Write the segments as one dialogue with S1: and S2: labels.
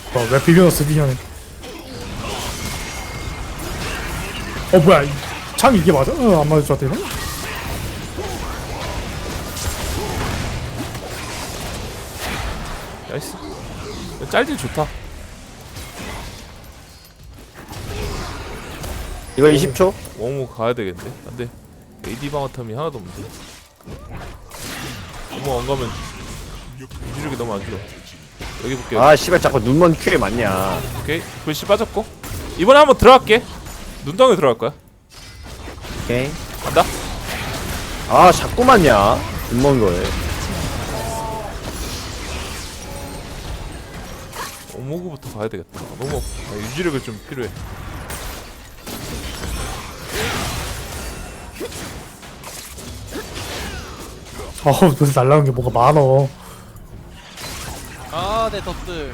S1: 왜 비벼놨어 미녀는. 뭐야 참 이게 맞아? 안 맞을 것 같아 이거?
S2: 나이스. 짤질 좋다.
S3: 이거 20초?
S2: 워무 가야 되겠네. 안돼. AD 방어 텀이 하나도 없는데. 워무 안 가면 유지력이 너무 안 좋아. 여기 볼게요.
S3: 아 씨발 자꾸 눈먼 큐에 맞냐.
S2: 오케이. 글씨 빠졌고. 이번에 한번 들어갈게. 눈덩이 들어갈 거야.
S3: 오케이.
S2: 간다.
S3: 아 자꾸 맞냐 눈먼 거에.
S2: 오모구부터 가야 되겠다. 너무 유지력이 좀 필요해.
S1: 요새 날라오는 게 뭐가 많어.
S4: 아, 내 덧들.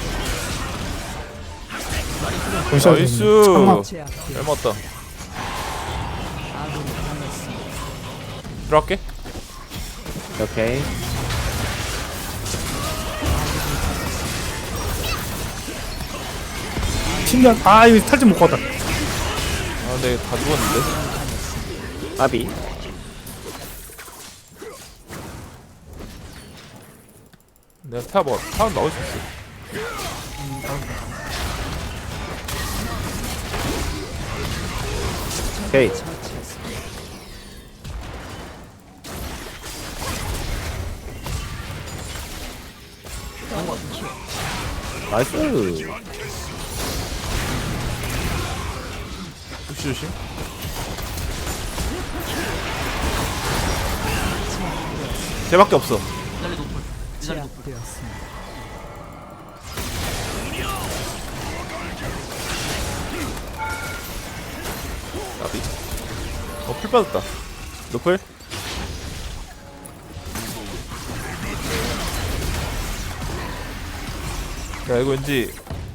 S2: 나이스.
S1: 참아.
S2: 잘 맞다. 들어갈게.
S3: 오케이.
S1: 신기한. 이거 탈진 못 갔다.
S2: 근데 다 죽었는데.
S3: 아비.
S2: 내가 타워 나올 수 있어.
S3: 오케이. 나이스.
S2: 푸시 조심. 쟤밖에 없어. 나비. 풀 빠졌다. 노플. 야 이거 왠지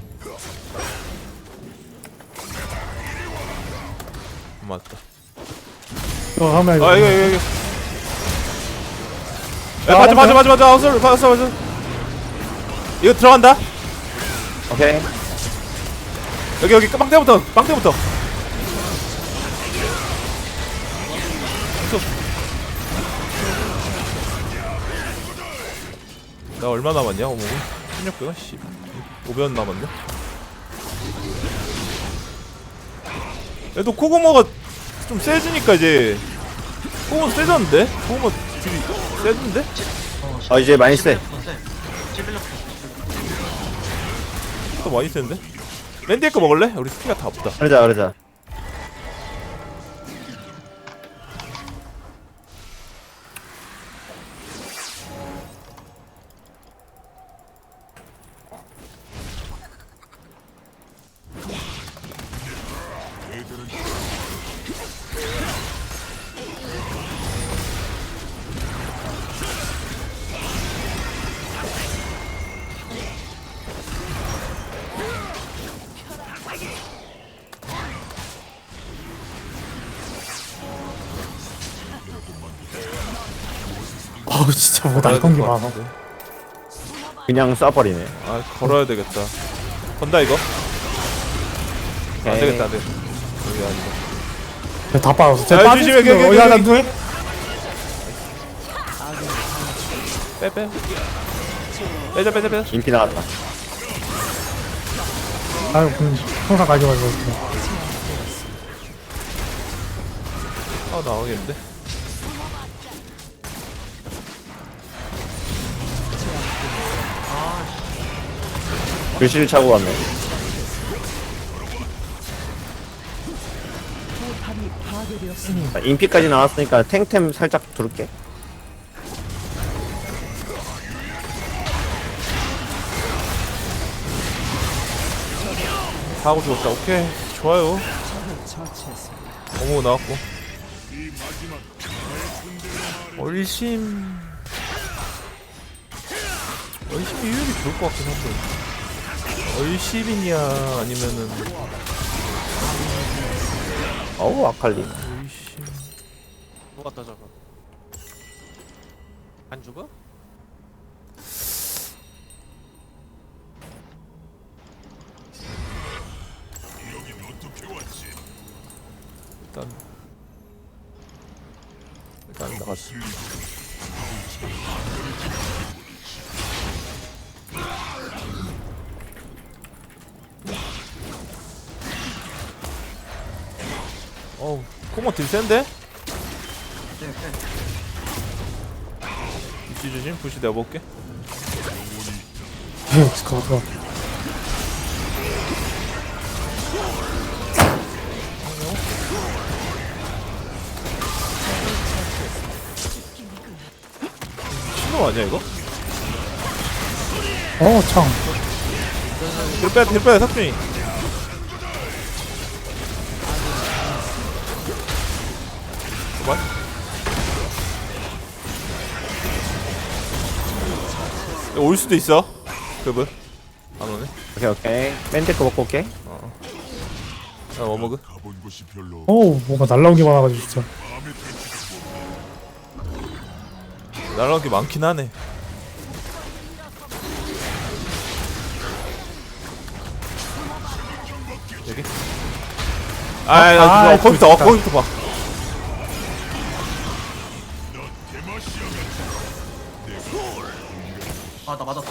S2: 맞다.
S1: 하면
S2: 이거. 야 맞아. 어서 맞아. 이거 들어간다.
S3: 오케이.
S2: 여기 빵대부터. 나 얼마 남았냐 어묵은? 16배가? 씨 5배원 남았네? 얘도 코고모가 좀 세지니까 이제 코고모 세졌는데? 코고모 딜이 세진데?
S3: 이제 많이 세.
S2: 또 많이 세는데? 랜디의 거 먹을래? 우리 스키가 다 없다.
S3: 그러자.
S1: 진짜 뭐 날던 게 많아.
S3: 그냥 쏴버리네.
S2: 걸어야 되겠다. 건다 이거? 안
S3: 오케이.
S2: 되겠다 여기 아니다.
S1: 다 빠졌어.
S2: 야, 조심해, 여기.
S1: 난 누해?
S2: 빼자.
S3: 인피 나갔다.
S1: 그럼 항상 가져가지고.
S2: 나오겠는데?
S3: 글씨를 차고 갔네. 인피까지 나왔으니까 탱템 살짝 두를게.
S2: 다 하고 죽었다. 오케이 좋아요. 어머 나왔고. 얼심 이율이 좋을 것 같긴 한데. 얼심이냐 아니면은
S3: 어우 아칼리.
S2: 얼심.
S4: 누웠다 저거. 안 죽어?
S3: 나갔어.
S2: 어우 코모 딜 센데? 입지 조심. 부시 내가 먹을게.
S1: 가봐.
S2: 신호 아니야 이거?
S1: 창.
S2: 딜 빼야 삭준이. 뭐야? 올 수도 있어. 그분 안 오네.
S3: 오케이. 밴드 거 먹고 올게.
S2: 나 워머그.
S1: 뭔가 날라온 게 많아가지고 진짜.
S2: 날라온 게 많긴 하네. 여기? 거기부터 거기부터 봐.
S4: 아 나 맞았다.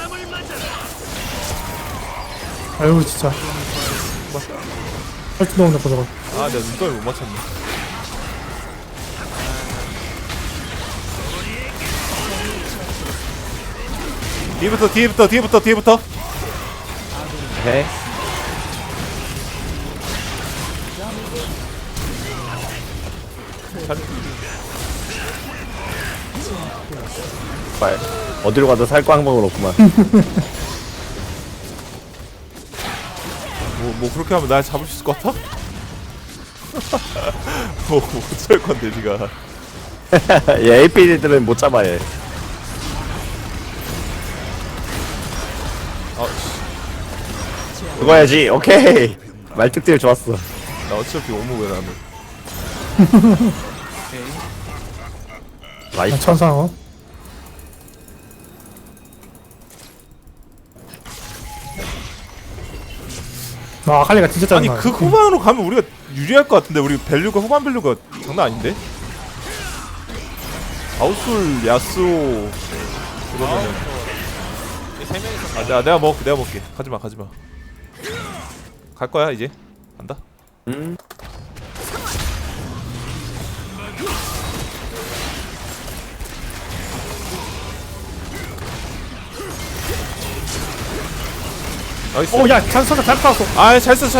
S1: 아유 진짜. 할줄 너무 나빠 저거.
S2: 아 내가 눈썹을 못 맞췄네. 뒤부터.
S3: 오케이. 발. 어디로 가도 살 거 항목은 없구만.
S2: 뭐 그렇게 하면 날 잡을 수 있을 것 같아? 어쩔 건데 니가.
S3: 얘 AP들은 못 잡아 얘. 그거 해야지. 오케이. 말특딜 좋았어.
S2: 나 어차피 오무게 나는.
S3: 나이스.
S1: 천상. 아칼리가 진짜
S2: 아니
S1: 짜증나.
S2: 그 후반으로 가면 우리가 유리할 것 같은데 우리 밸류가 후반 밸류가 장난 아닌데? 아웃솔 야스오 그러면은
S4: 세 명이서
S2: 내가 먹을게. 가지마. 갈 거야 이제. 간다. 나이스.
S1: 야 찬스가 잘 빠졌어.
S2: 잘 썼어.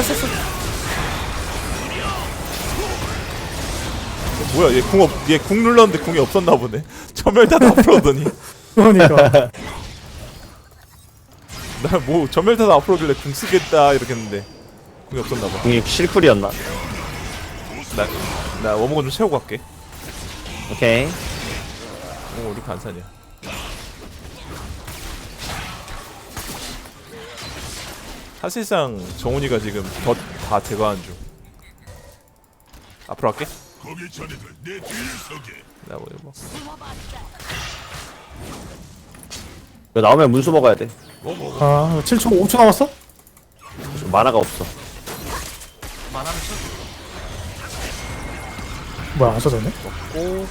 S2: 뭐야 얘 궁 눌렀는데 궁이 없었나 보네. 전멸탄 앞으로 오더니.
S1: 그러니까.
S2: 나 뭐 전멸탄 앞으로 오길래 궁 쓰겠다 이렇게 했는데 궁이 없었나 봐.
S3: 공이 실쿨이었나?
S2: 나 워머건 좀 채우고 갈게.
S3: 오케이.
S2: 오 우리 반산이야. 사실상 정훈이가 지금 다 제거한 중. 앞으로 갈게.
S5: 거기 자네들 내 뒤에 서게.
S2: 나 뭐.
S3: 이거 나오면 문수 먹어야 돼.
S1: 7초 5초 남았어?
S3: 좀 만화가 없어.
S4: 만화는 쳐.
S1: 뭐야 안 써졌네?
S2: 오.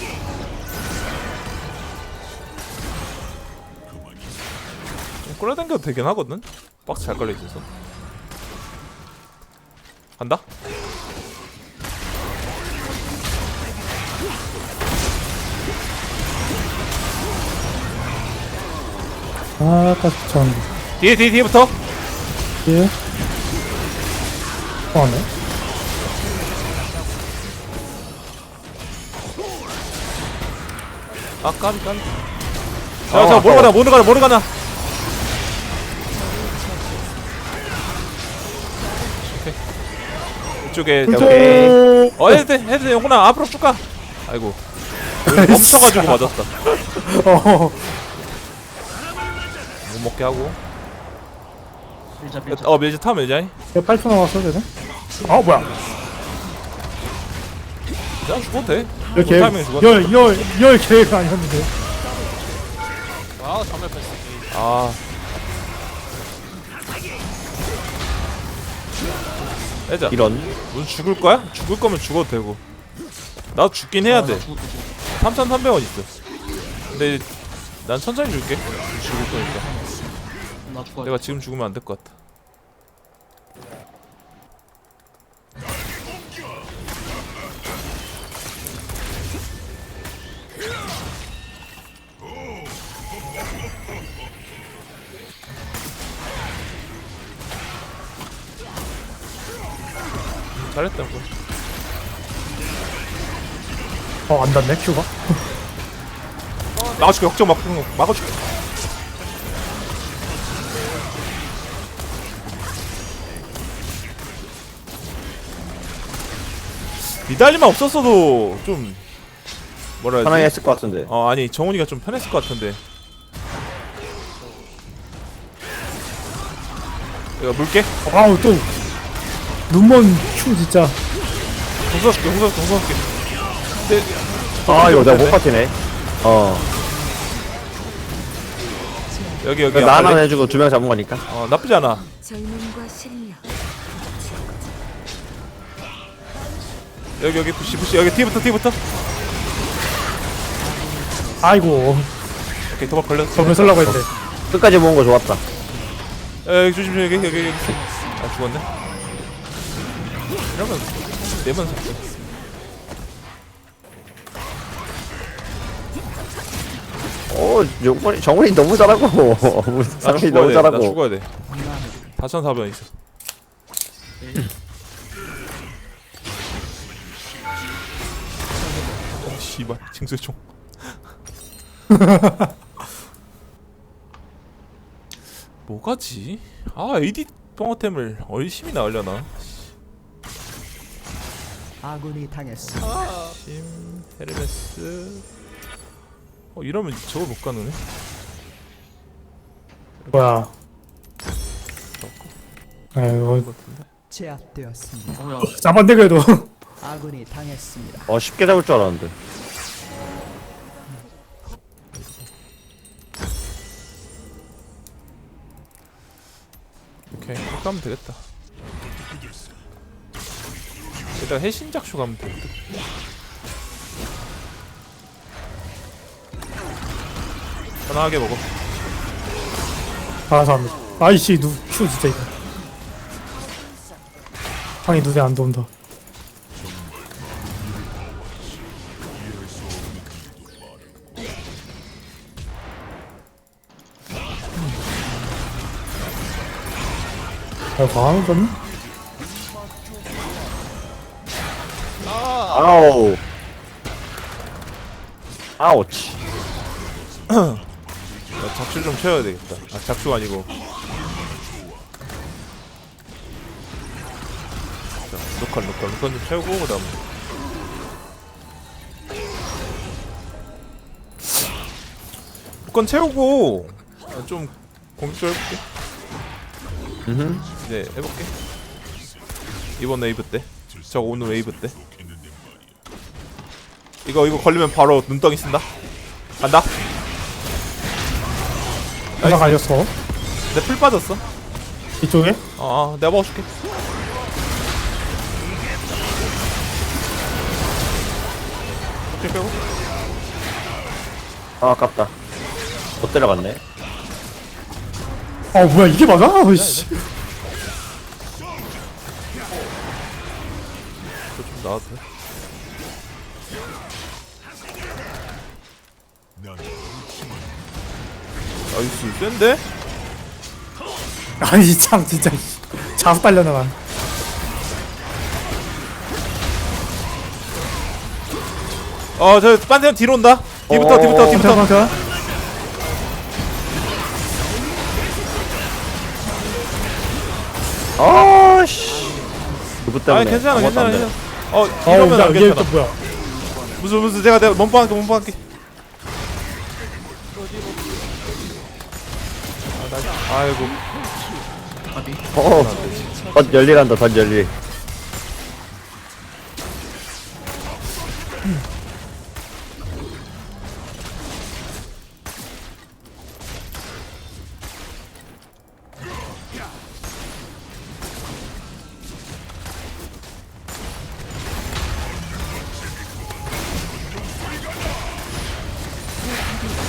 S2: 좀 끌어당겨도 되긴 하거든. 박스 잘 걸려 있어서. 간다.
S1: 아까 전
S2: 뒤에부터.
S1: 예. 왔네.
S2: 까비. 자, 모르 가나. 오케이. 이쪽에
S3: 오케이.
S2: 해도 돼. 영훈아 앞으로 쭉 가. 아이고. 멈춰가지고 맞았다. 못 먹게 하고.
S4: 밀자.
S2: 밀지 타 밀자.
S1: 8초 남았어 되네. 뭐야?
S2: 그냥 죽어도 돼.
S1: 이렇게
S2: 타이밍에 죽었네.
S1: 열 계획 아니었는데.
S4: 아 전멸 패스.
S2: 빼자.
S3: 이런.
S2: 넌 죽을 거야? 죽을 거면 죽어도 되고. 나도 죽긴 해야 돼. 3,300원 있어. 근데 난 천천히 줄게. 죽을 거니까.
S4: 나 죽어.
S2: 내가 지금 죽으면 안 될 것 같아. 잘했다.
S1: 안 닿네 큐가.
S2: 막아줄게. 걱정 마. 막아줄게. 미달리만 없었어도 좀 뭐라 해야
S3: 편하게
S2: 되지?
S3: 했을 것 같은데.
S2: 아니 정훈이가 좀 편했을 것 같은데. 내가 물게.
S1: 아우 또 눈먼 큐 진짜.
S2: 공수할게. 네.
S3: 아 이거 내가 못 버티네.
S2: 여기
S3: 나 하나 해주고 2명 잡은 거니까.
S2: 나쁘지 않아.
S6: 젊음과 실력
S2: 여기 부시 여기 뒤부터.
S1: 아이고
S2: 오케이 도박 걸렸어.
S1: 저걸 쓰려고 했는데.
S3: 끝까지 모은 거 좋았다.
S2: 여기 조심 여기. 아 죽었네. 이러면 내면 샀어.
S3: 정훈이 너무 잘하고. 상훈이 너무
S2: 나
S3: 잘하고.
S2: 죽어야 돼. 4,400원 있어. 씨발 징수총. 뭐가지? AD 뻥어템을 얼심이 나으려나?
S7: 아군이 당했습니다.
S2: 심 헤르메스. 이러면 저걸 못 가능해?
S1: 뭐야. 아이고
S7: 제압되었습니다.
S4: 뭐야?
S1: 잡았네 그래도.
S7: 아군이 당했습니다.
S3: 쉽게 잡을 줄 알았는데.
S2: 오케이 그렇게 하면 되겠다. 일단 해신작쇼 가면 되겠다. 편하게 먹어.
S1: 감사합니다. 아이씨 큐 진짜 이거. 방이 눈에 안 들어온다. 과하는 건?
S3: 아우. 아우치.
S2: 나 작쇼 좀 채워야 되겠다. 작쇼가 아니고. 자, 로컬 좀 채우고 그다음. 로컬 채우고 좀 공격 좀 해볼게. 이제 해볼게. 이번 웨이브 때. 저 오늘 웨이브 때. 이거 걸리면 바로 눈덩이 쓴다. 간다.
S1: 하나 갈렸어.
S2: 내 풀 빠졌어.
S1: 이쪽에?
S2: 내가 먹어줄게. 오케이 빼고.
S3: 아깝다. 못 때려갔네.
S1: 뭐야 이게 맞아? 씨.
S2: 좀 나와도 돼. 나이스 센데?
S1: 아니 참 진짜 자수 딸려나가.
S2: 저 반대편 뒤로 온다. 뒤부터.
S1: 잠깐만.
S3: 아씨. 그부 때문에.
S2: 괜찮아.
S3: 아무것도 안 돼.
S2: 이러면 안
S1: 이게
S2: 괜찮아.
S1: 또 뭐야?
S2: 무슨 내가 몸빵할게. 아이고.
S3: 덧 열일한다. 덧 열일.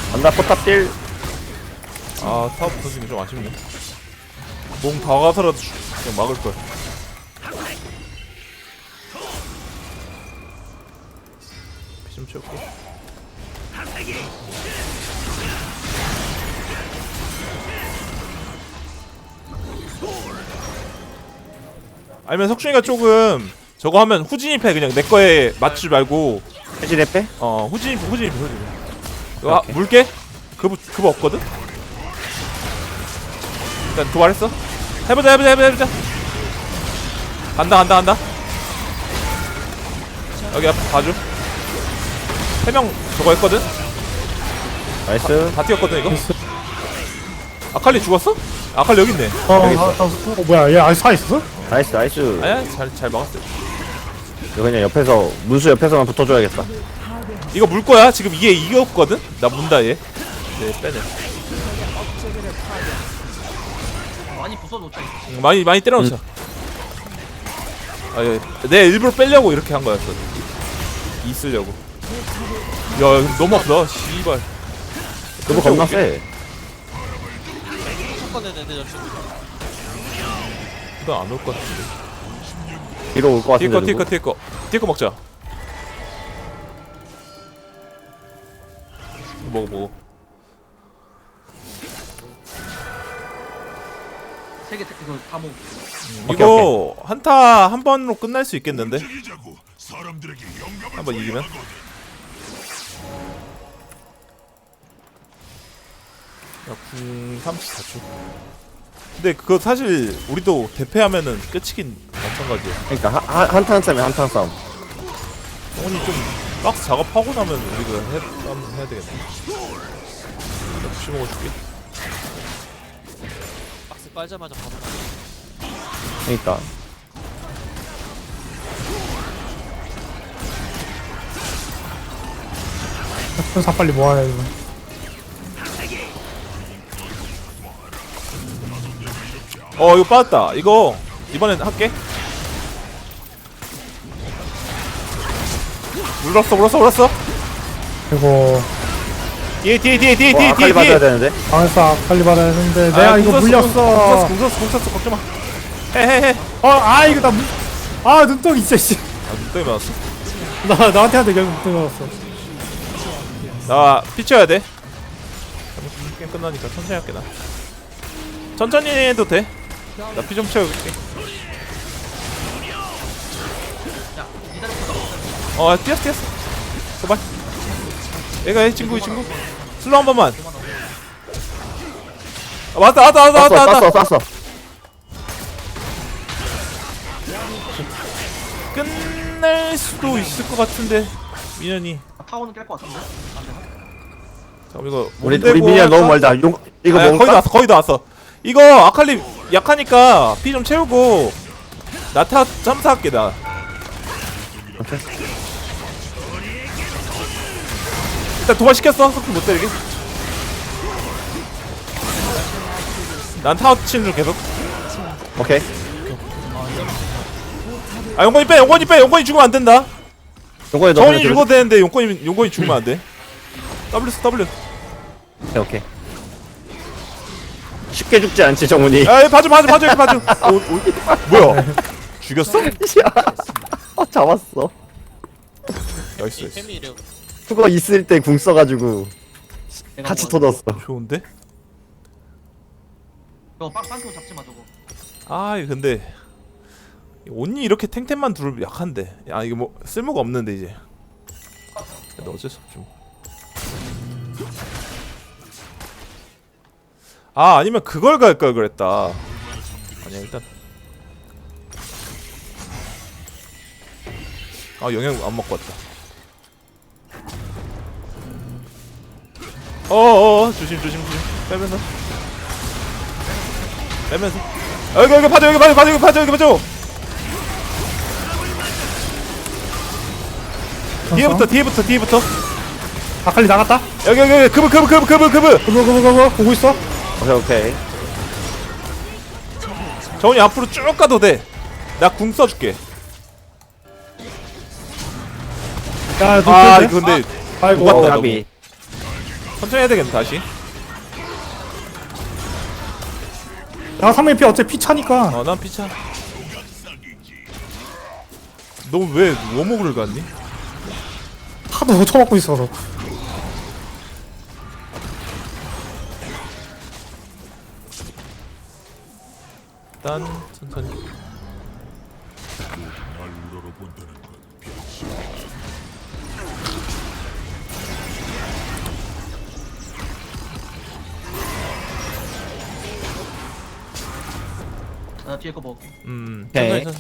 S3: 간다 포탑딜.
S2: 아 타워 붙어지는 게 좀 아쉽네. 몸 다 가서라도 그냥 막을걸. 피 좀 채울게. 아니면 석준이가 조금 저거 하면 후진입 해. 그냥 내 거에 맞추지 말고
S3: 해지대 빼?
S2: 후진입. 아, 물게? 그거 없거든? 일단 도발했어? 해보자. 간다. 여기 앞에 봐줘. 3명 저거 했거든?
S3: 나이스.
S2: 다 뛰었거든 이거? 아칼리 죽었어? 아칼리 여기 있네.
S1: 뭐야 얘 아직 살아있었어?
S3: 나이스.
S2: 아니야 잘 막았어.
S3: 이거 그냥 옆에서 문수 옆에서만 붙어줘야겠다.
S2: 이거 물 거야. 지금 얘 이겼거든? 나 문다 얘. 네 빼네.
S4: 많이 부숴놓자.
S2: 많이 때려놓자. 내 일부러 빼려고 이렇게 한 거였어. 있으려고. 야 이거 너무 아프다. 씨발.
S3: 그거 겁나 세.
S4: 첫번에 내 여친.
S2: 나안 올 것 같은데.
S3: 뒤로 올 것 같은데.
S2: 뒤에 거 먹자. 먹어.
S4: 세개 이거 다 먹.
S2: 이거 한타 한 번으로 끝날 수 있겠는데?
S5: 움직이자고. 사람들에게 영감을
S2: 한번 이기면? 야, 34초. 근데 그거 사실 우리도 대패하면은 끝이긴 마찬가지야.
S3: 그러니까 한탄 싸움이 한탄 싸움.
S2: 성훈이 좀 박스 작업하고 나면 우리가 싸움 해야 되겠네. 나 부시 먹어줄게.
S4: 박스 빨자마자 바로.
S3: 그러니까.
S1: 천사 빨리 모아야 이거.
S2: 이거 빠졌다. 이거 이번엔 할게. 물었어.
S1: 그리고
S2: 뒤에
S3: 아칼리 받아야 되는데.
S1: 방에서 빨리 받아야 되는데 내가 이거 물렸어.
S2: 공 썼어. 걱정 마. 해.
S1: 이거 나 눈덩이 있어 씨.
S2: 눈덩이 맞았어.
S1: 나한테 한대 결국 눈덩이 맞았어.
S2: 나 피쳐야 돼. 게임 끝나니까 천천히 할게 나. 천천히 해도 돼. 나 피 좀 채울게. 뛰었어. 도발. 얘가 해 친구. 슬로우 한 번만. 왔다.
S3: 쐈어.
S2: 끝낼 수도 있을 것 같은데 민현이.
S4: 타워는 깰 것 같은데.
S2: 잠깐 이거
S3: 우리 미니언 너무 멀다. 이거 먹을까?
S2: 거의 다 왔어. 이거 아칼리 약하니까 피 좀 채우고 나타 점사할게 나. 일단 도발 시켰어. 속도 못 때리게. 난 타워 치는 중 계속.
S3: 오케이.
S2: 용건이 죽으면 안 된다.
S3: 용건이
S2: 정원이 죽어도 되는데 용건이 죽으면 안 돼. W.
S3: 오케이. 쉽게 죽지 않지 정훈이.
S2: 야, 봐줘. 뭐야? 죽였어?
S3: 잡았어.
S2: 나이스.
S4: 템이 이래.
S3: 그거 있을 때 궁 써가지고 같이 터졌어.
S2: 좋은데?
S4: 너 빵큐 잡지 마 저거.
S2: 이거 근데 온니 이렇게 탱탱만 두르면 약한데. 야 이거 뭐 쓸모가 없는데 이제. 근데 어쩔 수 없죠. 아니면 그걸 갈 걸 그랬다. 아니야 일단. 영양 안 먹고 왔다. 조심. 빼면서. 여기 봐줘. 뒤에부터.
S1: 아칼리 나갔다.
S2: 여기 그브.
S1: 그거 보고 있어.
S3: 오케이.
S2: 정훈이 앞으로 쭉 가도 돼. 나 궁 써줄게.
S1: 야,
S2: 이거 근데
S1: 아이고.
S2: 녹았다,
S3: 가비.
S2: 천천히 해야 되겠네 다시.
S1: 야 상대 피 어차피 피 차니까.
S2: 난 피차. 너 왜 워목을 갔니?
S1: 하도 쳐먹고 있어서.
S2: 일단 천천히.
S5: 날 우러러본다는 건 변신.
S4: 나 뒤에 거 먹을게.
S3: 오케이.
S2: 천천히.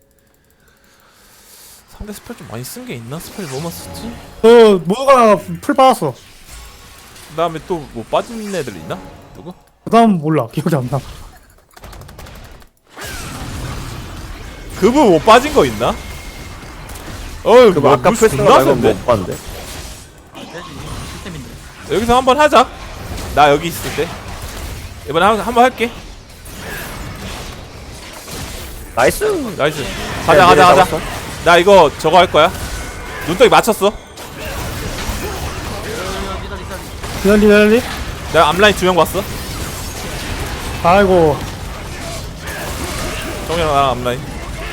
S2: 상대 스펠 좀 많이 쓴 게 있나? 스펠 뭐만 썼지?
S1: 모두가 풀 받았어.
S2: 그 다음에 또 뭐 빠진 애들 있나? 누구?
S1: 그다음 몰라. 기억이 안 나.
S2: 그분 뭐 빠진 거 있나?
S3: 그 아까
S2: 무슨
S3: 풀스나
S2: 존나
S3: 말고
S2: 센데?
S3: 못 봤는데.
S4: 되지. 시스템인데.
S2: 여기서 한번 하자. 나 여기 있을 때. 이번에 한번 할게.
S3: 나이스.
S2: 나이스. 가자. 나 이거 저거 할 거야. 눈덩이 맞췄어.
S1: 기다리.
S2: 내가 앞라인 2명 봤어.
S1: 아이고.
S2: 정이랑 나랑 앞라인.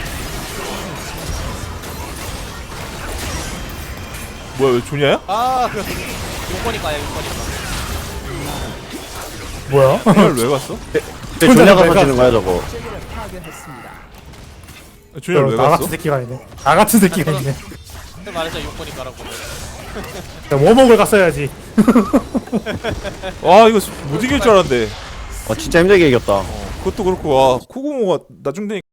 S2: 뭐야 왜 조냐야?
S4: 아, 그 용건이가야 용건이가.
S1: 뭐야?
S2: 이걸 왜 갔어?
S3: 왜 조냐가 터지는 거야 저거?
S7: 제기를 파괴했습니다.
S2: 조냐를 왜
S1: 나
S2: 갔어?
S1: 같은 새끼가 있네. 나 같은 새끼가 있네.
S4: 근데 말했잖아 용건이가라고.
S1: 워목을 갔어야지.
S2: 와 이거 못 이길 줄 알았는데.
S3: 진짜 힘들게 이겼다.
S2: 그것도 그렇고 와 코고모가 나중 되니까